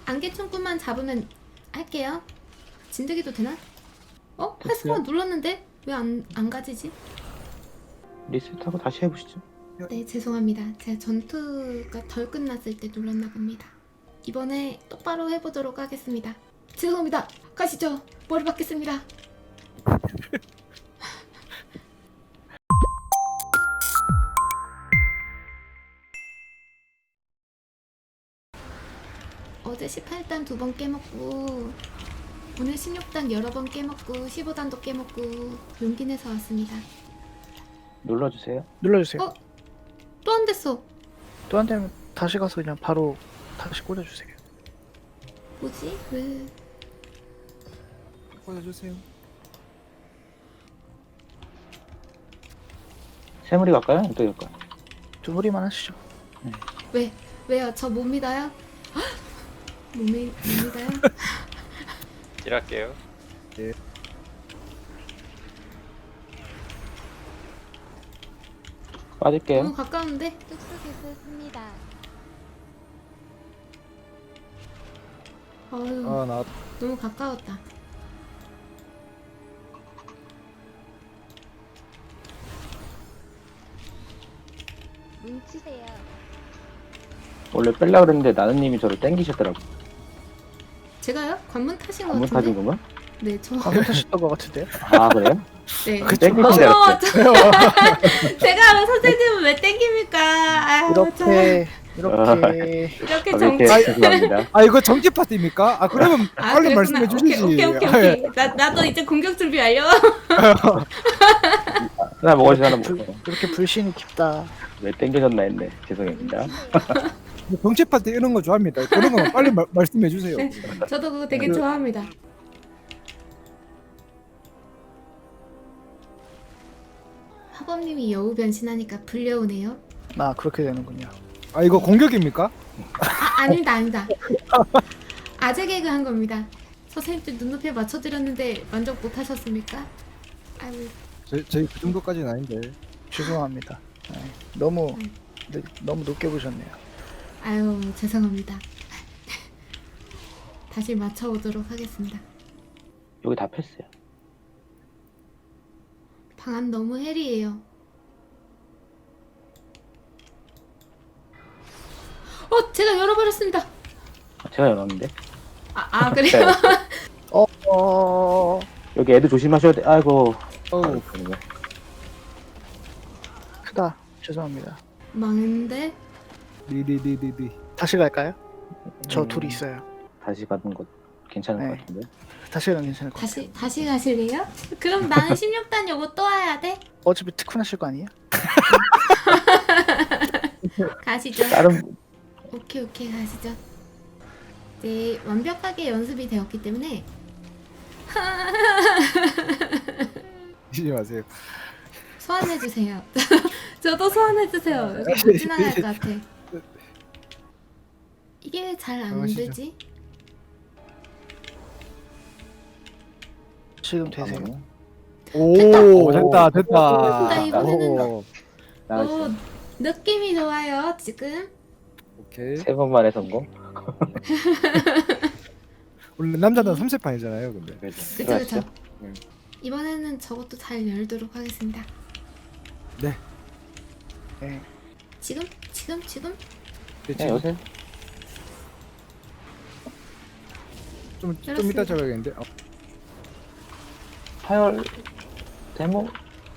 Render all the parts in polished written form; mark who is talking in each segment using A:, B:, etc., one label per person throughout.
A: 안개충꾼만 잡으면 할게요. 진드기도 되나?
B: 됐어요.
A: 헬스만 눌렀는데 왜 안 가지지?
B: 리셋하고 다시 해보시죠.
A: 네, 죄송합니다. 제가 전투가 덜 끝났을 때 눌렀나 봅니다. 이번에 똑바로 해보도록 하겠습니다. 죄송합니다. 가시죠. 머리 받겠습니다. 어제 18단 2번 깨먹고 오늘 16단 여러 번 깨먹고 15단도 깨먹고 용기 내서 왔습니다.
B: 눌러주세요.
C: 눌러주세요.
A: 어? 또 안 됐어.
C: 또 안 되면 다시 가서 그냥 바로 다시 꽂아주세요.
A: 뭐지? 왜?
D: 꽂아주세요.
B: 세무리 갈까요? 어떻게 갈까요?
C: 두 무리만 하시죠.
A: 왜? 왜요? 저 못 믿어요? 못 믿어요?
E: 딜할게요.
B: 빠질게요.
A: 너무 가까운데?
F: 뚝뚝했습니다.
A: 어휴,
D: 나
A: 너무 가까웠다.
F: 뭉치세요.
B: 원래 뺄라 그랬는데 나는님이 저를 땡기셨더라고.
A: 제가요? 관문 타신 것
B: 관문
A: 같은데?
B: 타신 건가?
A: 네, 저.
C: 방금 타셨던 것 같은데요?
B: 아 그래요?
A: 네.
B: 땡기신 줄
A: 어머,
B: 알았어요.
A: 제가 선생님은 왜 땡깁니까? 아유,
C: 이렇게
A: 이렇게
B: 아,
A: 정치.
B: 이렇게 죄송합니다.
D: 아 이거 정지 파티입니까? 아 그러면 빨리
A: 그랬구나.
D: 말씀해 주시지.
A: 오케이. 나도 이제 공격 준비 완료.
B: 하나 먹어주세요. 하나 먹어.
C: 그렇게 불신이 깊다.
B: 왜 땡겨졌나 했네. 죄송합니다.
D: 정지 파티 이런 거 좋아합니다. 그런 거 빨리 말씀해 주세요.
A: 네. 저도 그거 되게 좋아합니다. 하범님이 여우 변신하니까 불려오네요.
C: 아 그렇게 되는군요.
D: 아 이거 공격입니까?
A: 아닙니다. 아재 개그 한 겁니다. 선생님들 눈높이에 맞춰드렸는데 만족 못하셨습니까? 아유,
D: 저희 그 정도까지는 아닌데.
C: 죄송합니다. 네, 너무
A: 네.
C: 너무 높게 보셨네요.
A: 아유, 죄송합니다. 다시 맞춰오도록 하겠습니다.
B: 여기 다 폈어요.
A: 방안 너무 헬이에요. 제가 열어버렸습니다.
B: 제가 열었는데.
A: 그래요?
B: 여기 애들 조심하셔야 돼. 아이고.
D: 어우.
B: 그러네.
C: 크다. 죄송합니다.
A: 망했는데?
D: 리리리리리.
C: 다시 갈까요? 저 둘이 있어요.
B: 다시 가는 것 괜찮을
C: 네.
B: 것 같은데.
C: 다시 가면 괜찮을 것 같아요.
A: 다시 가실래요? 그럼 나는 16단 요거 또 와야 돼?
C: 어차피 특훈하실 거 아니에요?
A: 가시죠.
B: 다른
A: 오케이 가시죠. 이제 완벽하게 연습이 되었기 때문에
D: 하지 마세요.
A: 소환해주세요. 저도 소환해주세요. 이거 못 지나갈 것 같아. 이게 왜 잘 안
D: 가시죠.
A: 되지?
C: 지금 되세요.
D: 오 됐다.
A: 됐다, 이번에는.
D: 오,
B: 나왔어.
A: 느낌이 좋아요 지금.
D: 오케이.
B: 세 번만에 성공.
D: 원래 남자는 3세판이잖아요. 근데.
B: 그래서
A: 그쵸.
D: 네.
A: 이번에는 저것도 잘 열도록 하겠습니다.
D: 네.
C: 네.
A: 지금?
B: 네, 여보세요?
D: 좀
A: 열었습니다.
D: 이따 잡아야겠는데.
B: 파열 데모.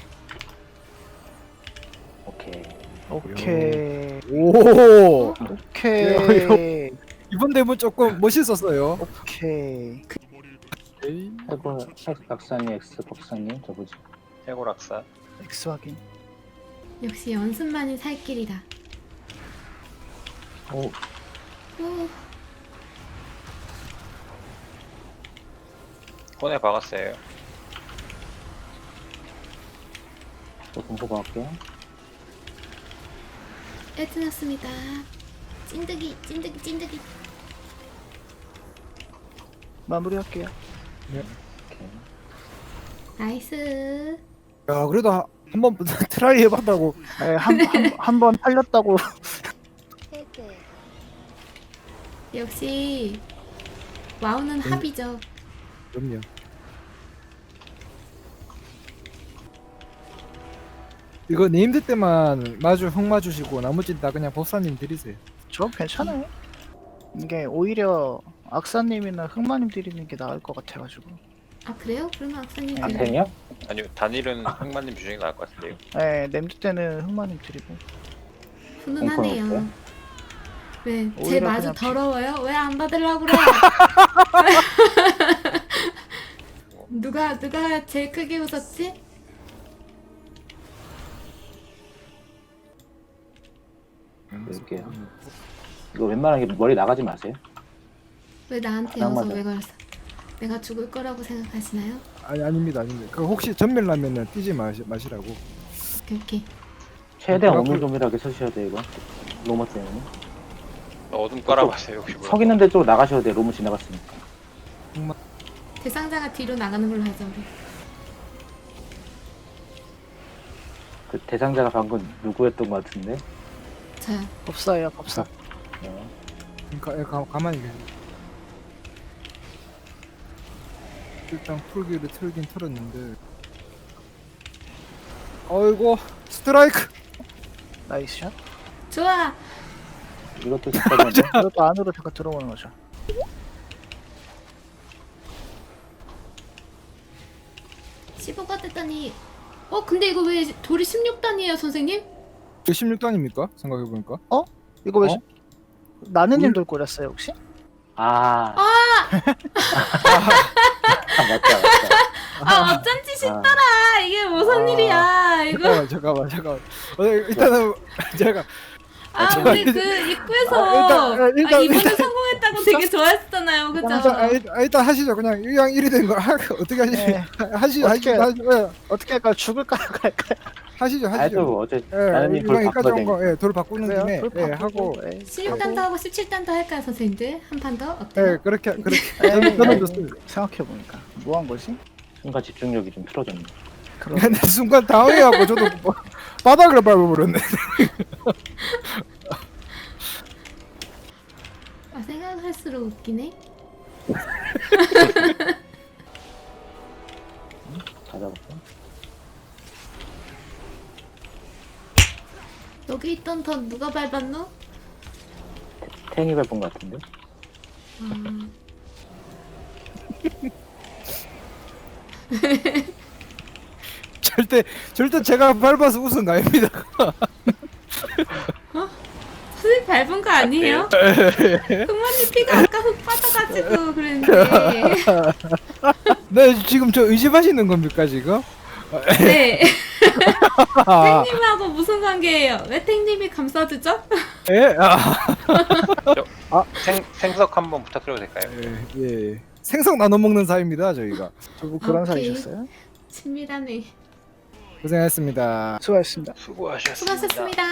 B: 오케이.
C: 오케이.
D: 오.
C: 오케이.
D: 이번 대본 조금 멋있었어요.
C: 오케이.
B: 해골 박사님, X 박사님, 저 뭐지?
E: 해골학사.
C: X 확인.
A: 역시 연습만이 살 길이다.
B: 오,
A: 오,
E: 혼에 박았어요.
B: 저 공포 할게요.
A: 애트났습니다. 찐득이.
C: 마무리할게요.
B: 오케이.
A: 나이스.
D: 야 그래도 한번 트라이 해봤다고.
C: 네, 한 번 팔렸다고.
F: 헤드.
A: 역시 와우는 합이죠.
D: 그럼요. 이거 네임드 때만 마주 흙 마주시고 나머지 다 그냥 법사님 드리세요.
C: 저 괜찮아요. 이게 오히려 악사님이나 흑마님 드리는 게 나을 것 같아가지고.
A: 아 그래요? 그러면 악사님
B: 안텐이요?
E: 아니요, 단일은 흑마님 주중이 나을 것 같은데요.
C: 네, 냄드 때는 흑마님 드리고.
A: 훈훈하네요.
B: 없어요?
A: 왜? 제
C: 오히려
A: 마주
C: 그냥
A: 더러워요? 왜 안 받으려고 그래? 누가 제일 크게 웃었지?
B: 이렇게요. 이거 웬만하게 머리 나가지 마세요.
A: 왜 나한테
B: 안
A: 여서
B: 맞아.
A: 왜 걸었어? 내가 죽을 거라고 생각하시나요?
D: 아니 아닙니다. 그 혹시 전멸 나면은 뛰지 마시라고.
A: 오케이.
B: 최대한
D: 그렇군.
B: 오밀조밀하게 서셔야 돼요 이거. 로머 때문에.
E: 어둠 깔아보세요, 혹시
B: 석 있는 데 쪽으로 나가셔야 돼요. 로머 지나갔으니까.
A: 대상자가 뒤로 나가는 걸로 하자 우리.
B: 그 대상자가 방금 누구였던 것 같은데.
A: 저요.
C: 법사예요, 법사.
B: 네.
D: 가만히 계세요. 일단 풀기를 틀긴 틀었는데. 어이구 스트라이크.
C: 나이스 샷.
A: 좋아.
B: 이것도 잠깐만요.
C: 이것도 안으로 잠깐 들어오는 거죠.
A: 시 15가 됐다니. 근데 이거 왜 돌이 16단이에요 선생님?
D: 16단입니까? 생각해보니까.
C: 이거 왜
D: 어?
C: 나는님 돌 꼬렸어요 혹시?
B: 아. 맞다.
A: 어쩐지 싶더라. 이게 무슨 일이야 이거.
D: 잠깐만. 일단은 제가
A: 우리 그 입구에서
D: 일단
A: 이번에 성공했다고 되게 좋아했잖아요 그죠?
D: 일단 하시죠. 그냥 이왕 1이 된 거 어떻게 하시죠?
C: 네.
D: 하시죠.
C: 어떻게-
D: 하시죠.
C: 어떻게 할까요? 죽을까요? 갈까요?
D: 하시죠.
B: 아주 어제
D: 예,
B: 나는님 돌
D: 이왕
B: 바꿔야
D: 여기까지 온 거,
B: 되니까.
D: 돌 바꾸는
C: 그래요?
D: 김에
C: 돌 바꾸고,
D: 하고,
A: 16단도 하고 17단도 할까요 선생님들? 한 판 더? 어때요?
D: 그렇게
C: 에이,
D: 저는 좋습니다.
C: 생각해보니까 뭐 한 거지?
B: 순간 집중력이 좀 틀어졌네.
C: 그럼
D: 근데 순간 당황해갖고 저도 바닥을 밟아버렸네.
A: 생각할수록 웃기네.
B: 찾아볼까?
A: 여기 있던 던 누가 밟았노?
B: 탱이 밟은 것 같은데.
A: 아,
D: 절대 제가 밟아서 웃은 거 아닙니다.
A: 선생님 밟은 거 아니에요? 흑마님 피가 아까 흙 빠져가지고 그랬는데.
D: 네, 지금 저 의심하시는 겁니까 지금?
A: 네.
D: 아,
A: 탱님하고 무슨 관계예요? 왜 탱님이 감싸주죠?
D: 예,
E: 생석 한번 부탁드려도 될까요?
D: 예. 생선 나눠 먹는 사이입니다 저희가.
C: 두분 그런
A: 오케이.
C: 사이셨어요?
A: 친밀하네.
D: 고생하셨습니다.
C: 수고하셨습니다.
E: 수고하셨습니다.
A: 수고하셨습니다.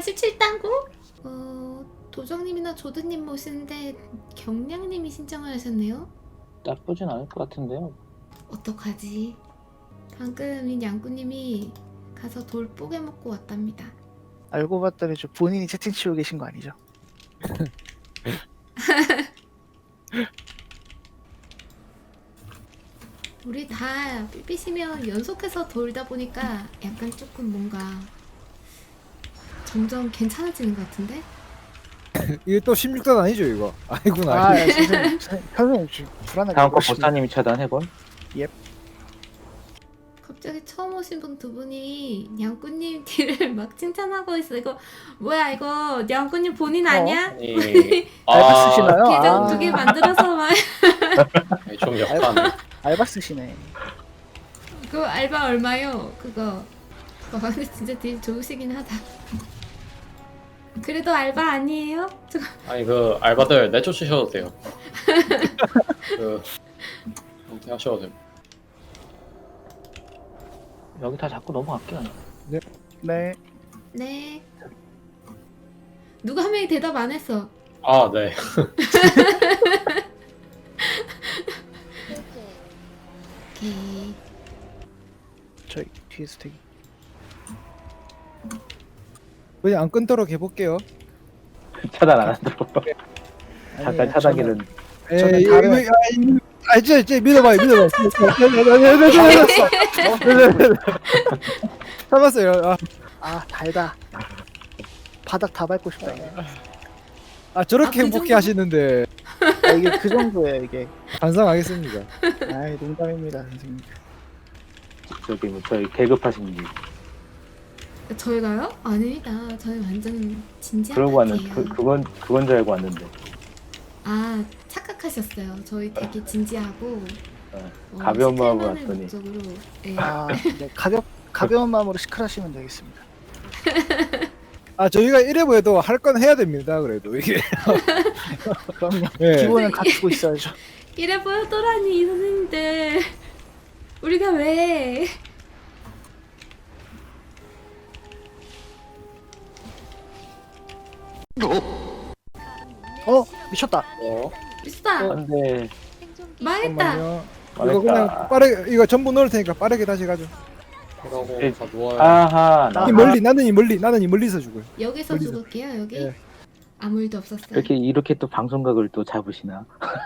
A: 17단고. 도정님이나 조드님 모시는데 경량님이 신청을 하셨네요.
B: 나쁘진 않을 것 같은데요.
A: 어떡하지? 방금 양꾸님이 가서 돌 뽀개 먹고 왔답니다.
C: 알고 봤더니 저 본인이 채팅 치고 계신 거 아니죠?
A: 우리 다 삐삐시면 연속해서 돌다 보니까 약간 조금 뭔가 점점 괜찮아지는 것 같은데?
D: 이게 또 16단 아니죠 이거? 아니구나.
C: 아, 예, 선생님 지금 불안하게
B: 다음 거
C: 그러시네.
B: 보사님이 차단해본.
A: 갑자기 처음 오신 분 두 분이 양꾸님 뒤를 막 칭찬하고 있어. 이거 뭐야 이거 양꾸님 본인 아니야?
C: 알바 쓰시나요?
A: 계정 두 개 만들어서 막
F: 좀 약간
C: 알바 쓰시네.
A: 그거 알바 얼마요? 그거 근데 진짜 되게 좋으시긴 하다. 그래도 알바 아니에요?
F: 아니 그 알바들 내쫓으셔도 돼요. 그 그렇게 하셔도 돼요.
B: 여기 다 자꾸 넘어갈게요.
C: 네.
A: 네. 누가 한 명이 대답 안 했어.
F: 아 네.
A: 오케이.
C: 저희 뒤에서 되게
D: 그냥 안 끊도록 해볼게요.
B: 차단 안 하도록.
C: 아니,
B: 잠깐 차단기는
C: 저는 다른
D: 진짜 믿어봐요. 잡았어요.
C: 달다. 바닥 다 밟고 싶다. 이게.
D: 저렇게
A: 그
D: 행복해
A: 정도?
D: 하시는데
C: 이게 그 정도예요 이게.
D: 반성하겠습니다.
C: 아이 농담입니다 선생님.
B: 저기 뭐 저희 계급하신 분
A: 저희가요? 아닙니다. 저희 완전 진지한
B: 그러고 왔는
A: 파티예요.
B: 그건 줄 알고 왔는데
A: 아, 착각하셨어요. 저희 되게 진지하고
B: 가벼운 마음으로
A: 세트만을
B: 왔더니.
A: 목적으로, 예.
C: 네, 가벼운 마음으로 시크하시면 되겠습니다.
D: 저희가 이래 보여도 할 건 해야 됩니다. 그래도 이게
C: 그럼요.
D: 예.
C: 기본은 갖추고 있어야죠.
A: 이래 보였더라니 이 선생님들. 우리가 왜?
C: 미쳤다.
A: 미스다.
B: 안돼
A: 망했다.
D: 잠깐만요. 이거 그냥 빠르게 이거 전부 넣을 테니까 빠르게 다시 가죠.
F: 그러고
B: 예.
F: 다 누워요.
B: 아하 나
D: 이 멀리 나는 이 멀리서 죽어요.
A: 여기서
D: 멀리서.
A: 죽을게요. 여기
D: 예.
A: 아무 일도 없었어요.
B: 이렇게 또 방송각을 또 잡으시나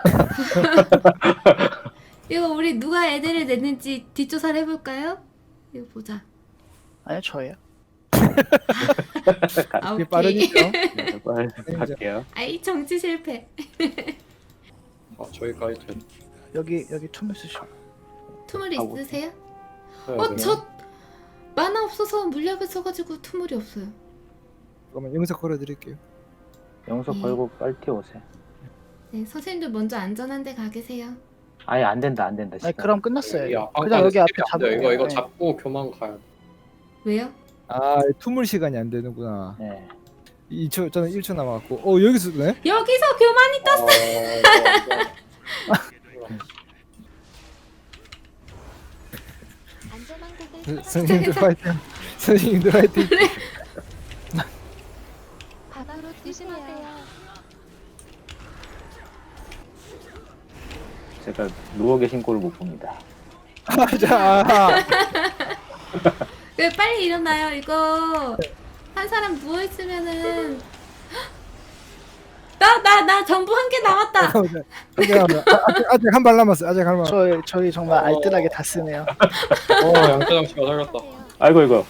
A: 이거 우리 누가 애들을 냈는지 뒷조사를 해볼까요? 이거 보자.
C: 아니요 저예요.
A: 아,
D: 이게
A: 오케이.
D: 빠르니까.
B: 네, 빨리 갈게요
A: 아이 정치 실패.
F: 저기까지 돼.
C: 여기 투명 쓰시고.
A: 투물
B: 하고.
A: 있으세요?
F: 네,
A: 저 만화 없어서 물약을 써가지고 투물이 없어요.
D: 그러면 영상 걸어드릴게요.
B: 영석 걸고 빨리 뛰어오세요
A: 네, 선생님들 먼저 안전한 데 가 계세요.
B: 아예 안 된다 시간.
C: 아니 그럼 끝났어요.
F: 여기
C: 그냥 여기 앞에
F: 스킵이 안
C: 잡고.
F: 돼요. 이거
C: 네.
F: 잡고 교만 가요.
A: 왜요?
D: 투물 시간이 안 되는구나.
B: 네
D: 2초 저는 1초 남았고. 여기서 네?
A: 여기서 교만이 떴어.
D: 선생님들 파이팅. 선생님들 파이팅.
G: 바다로 조심하세요.
B: 제가 누워 계신 꼴을 못 봅니다
A: 왜 빨리 일어나요? 이거 한 사람 누워 있으면은 나 전부 한 개 남았다.
D: 아직 한 발 남았어. 아직 한 발.
C: 저희 정말 알뜰하게 다 쓰네요.
F: 양태장 씨가 살렸다.
B: 아이고 이거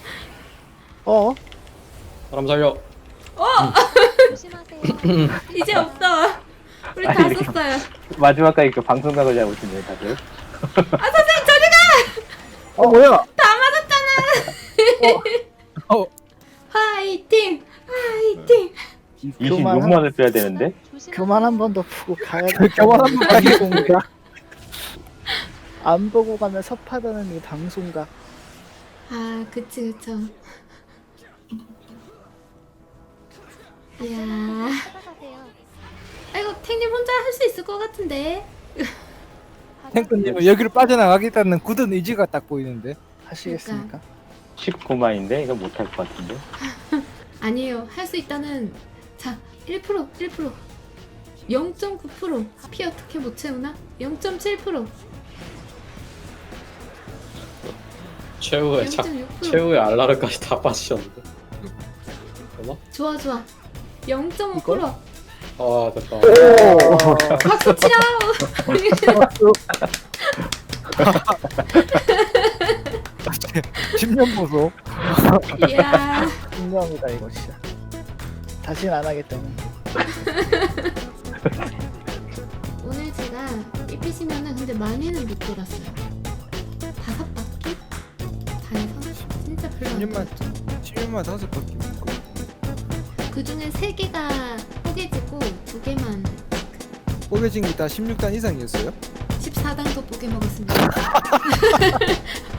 F: 사람 살려.
G: 조심하세요.
A: 이제 없어. 우리 다 썼어요.
B: 마지막까지 그 방송각을 잡으시네요 다들
A: 선생님 저리 가.
D: 뭐야?
A: 다 맞았잖아. 화이팅, 화이팅.
B: 26만을 빼야 되는데
C: 교만 한 번 더 보고 가야 돼.
D: 교만 한번 가기
C: 공가. 안 보고 가면 섭하다는 이 방송각.
A: 아, 그쵸. 이야.
G: 따라가세요.
A: 아이고, 탱님 혼자 할 수 있을 것 같은데.
D: 탱크님은 여기를 빠져나가겠다는 굳은 의지가 딱 보이는데.
C: 하시겠습니까?
B: 19만인데 이거 못할 것 같은데
A: 아니에요. 할 수 있다는. 자, 1%. 0.9%. 피 어떻게 못 채우나? 0.7%.
F: 최후의
A: 0.6%.
F: 최후의 알라르까지 다 빠지셨는데. 되나?
A: 좋아. 0.5%.
F: 됐다.
A: 박수 치라.
D: 10년 보소.
A: 이야.
C: 분명이다 이거 진짜. 다시는 안 하겠다는.
A: 오늘 제가 삐삐시면은 근데 많이는 못 돌았어요. 5바퀴? 다 해서 진짜 별로 안
D: 10년만
A: 돌았죠.
D: 10년만 5바퀴.
A: 그 중에 3개가 뽀개지고 2개만
D: 뽀개진 게 다 16단 이상이었어요?
A: 14단도 뽀개 먹었습니다.